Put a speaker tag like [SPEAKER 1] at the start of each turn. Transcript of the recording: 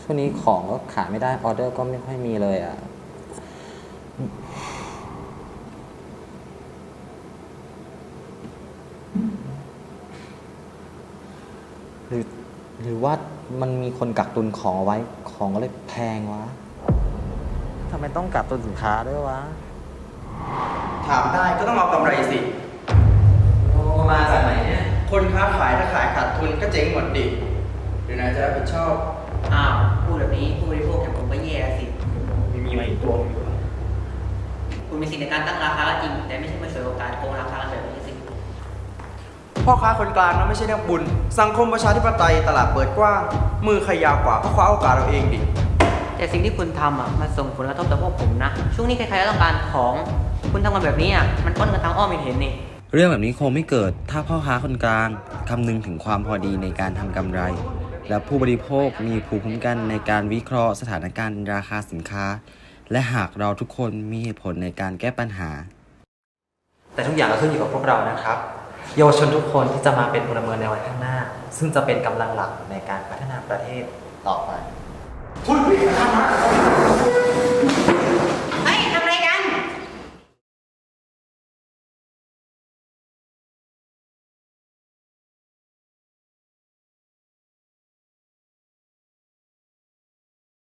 [SPEAKER 1] ช่วงนี้ของก็ขายไม่ได้ออเดอร์ก็ไม่ค่อยมีเลยอ่ะหรือหรือว่ามันมีคนกักตุนของเอาไว้ของก็เลยแพงวะทำไมต้องกักตุนสินค้าด้วยวะ
[SPEAKER 2] ถามได้ก็ต้องเอากำไรสิ
[SPEAKER 1] โอ้มาจากไหนเนี่ย
[SPEAKER 2] คนค้าขายถ้าขายขาดทุนก็เจ๊งหมดดิหรือนายจะรับผิดชอบ
[SPEAKER 3] อ้าวพูดแบบนี้ผู้บริโภคอย่างผมก็แย่สิ
[SPEAKER 4] มีมาอีกตัวนึงอยู่
[SPEAKER 3] คุณมีสิทธิ์ในการตั้งราคาก็จริง แต่ไม่ใช่มาฉวยโอกาสโกงราคากันแบบนี้สิ
[SPEAKER 2] พ่อค้าคนกลางนะไม่ใช่นักบุญ สังคมประชาธิปไตยตลาดเปิดกว้าง มือใครยาวกว่าก็คว้าโอกาสเราเองดิ
[SPEAKER 3] แต่สิ่งที่คุณทำมันส่งผลกระทบต่อพวกผมนะ ช่วงนี้ใครๆก็ต้องการของ คุณทำกันแบบนี้มันป้นกันทางอ้อมเห็นนี่
[SPEAKER 1] เรื่องแบบนี้คงไม่เกิดถ้าพ่อค้าคนกลางคำนึงถึงความพอดีในการทำกำไร และผู้บริโภคมีภูมิคุ้มกันในการวิเคราะห์สถานการณ์ราคาสินค้า และหากเราทุกคนมีเหตุผลในการแก้ปัญหา
[SPEAKER 5] แต่ทุกอย่างก็ขึ้นอยู่กับพวกเรานะครับ เยาวชนทุกคนที่จะมาเป็นพลเมืองในวันข้างหน้า ซึ่งจะเป็นกำลังหลักในการพัฒนาประเทศต่อไป
[SPEAKER 4] พูดคุยกันนะ